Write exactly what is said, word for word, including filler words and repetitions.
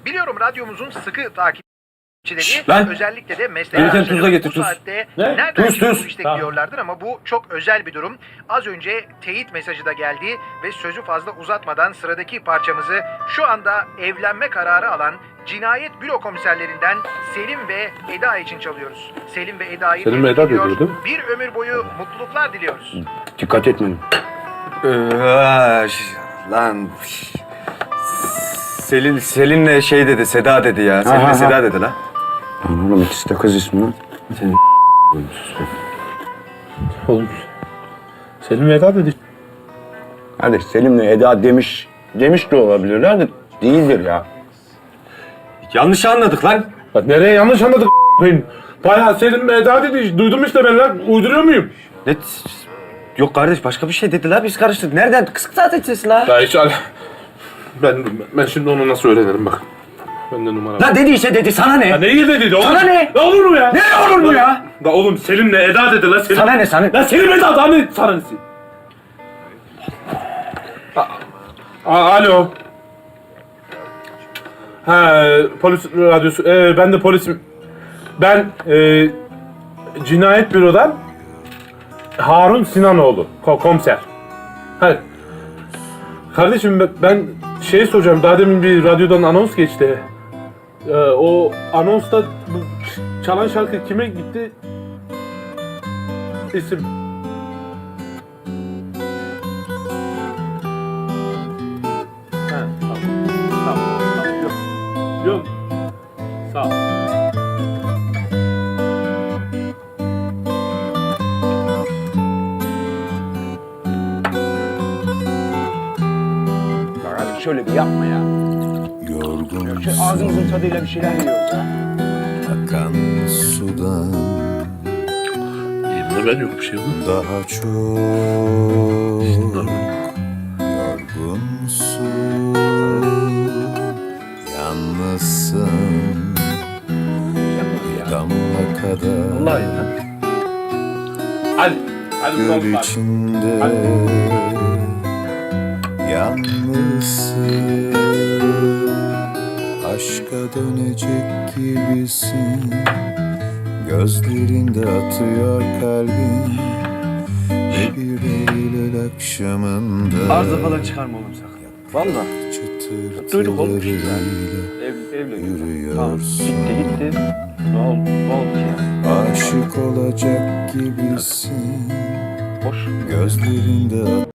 Biliyorum radyomuzun sıkı takipçileri Şşt lan! özellikle de meslek Gelirken arkadaşları tuzla getir, bu tuz. saatte Ne? nereden Tuz, tuz. işte Tamam. diyorlardır ama bu çok özel bir durum. Az önce teyit mesajı da geldi ve sözü fazla uzatmadan sıradaki parçamızı şu anda evlenme kararı alan Cinayet Büro komiserlerinden Selim ve Eda için çalıyoruz. Selim ve Eda'yı Selim ve tebrik Eda ediyor. diyor, değil mi? Bir ömür boyu mutluluklar diliyoruz. Dikkat etmeyin. Ee, lan. Selin, Selin'le şey dedi, Seda dedi ya. Selin'le ha. Seda dedi lan. Lan oğlum ikisi de kız ismi lan. Senin Oğlum. Selim Eda dedi. Hadi Selim'le Eda demiş, demiş de olabilirler de değildir ya. yanlış anladık lan. Bak nereye yanlış anladık a**ayım. Bayağı Selim Eda dedi. Duydum işte ben lan. Uyduruyor muyum? Ne? Yok kardeş başka bir şey dediler biz karıştırdık. Nereden? Kısık zaten sesi la. Ya hiç al. Ben, ben şimdi onu nasıl öğrenirim bak. Bende numara var. La dediyse dedi sana ne? Ya neyi de dedi oğlum? Sana ne? Ne olur mu ya? Ne olur mu ya? Da oğlum Selim'le Eda dedi la Selim. Sana ne sana? Lan Selim Eda daha ne sana nesi? A- A- Alo. Ha polis radyosu. Ee, ben de polisim. Ben e, cinayet bürodan Harun Sinanoğlu ko- komiser. Ha. Kardeşim ben- ben şey soracağım. Daha demin bir radyodan anons geçti. Ee, o anonsta bu çalan şarkı kime gitti? İsim. Ha, tamam. Tamam, tamam. Yok. Yok. Sağ ol. Bak abi şöyle bir yapma ya. Yorgun Şu ağzımızın tadıyla bir şeyler yiyoruz ha. akan sudan Elimde ben yok bir şey yok. daha çok yorgunsun, yalnızsın, bir damla kadar Vallahi ya. Hadi. Hadi göl bakalım. içinde yalnızsın, aşka dönecek gibisin, gözlerinde atıyor kalbin ve bir Eylül akşamında Arıza falan çıkarma oğlum sakın. Valla. Duyduk oğlum. çıtırtılarıyla Ev, evle. yürüyorsun. Gitti gitti. Ne oldu? Ne oldu ki ya? Aşık olacak gibisin, Boş. gözlerinde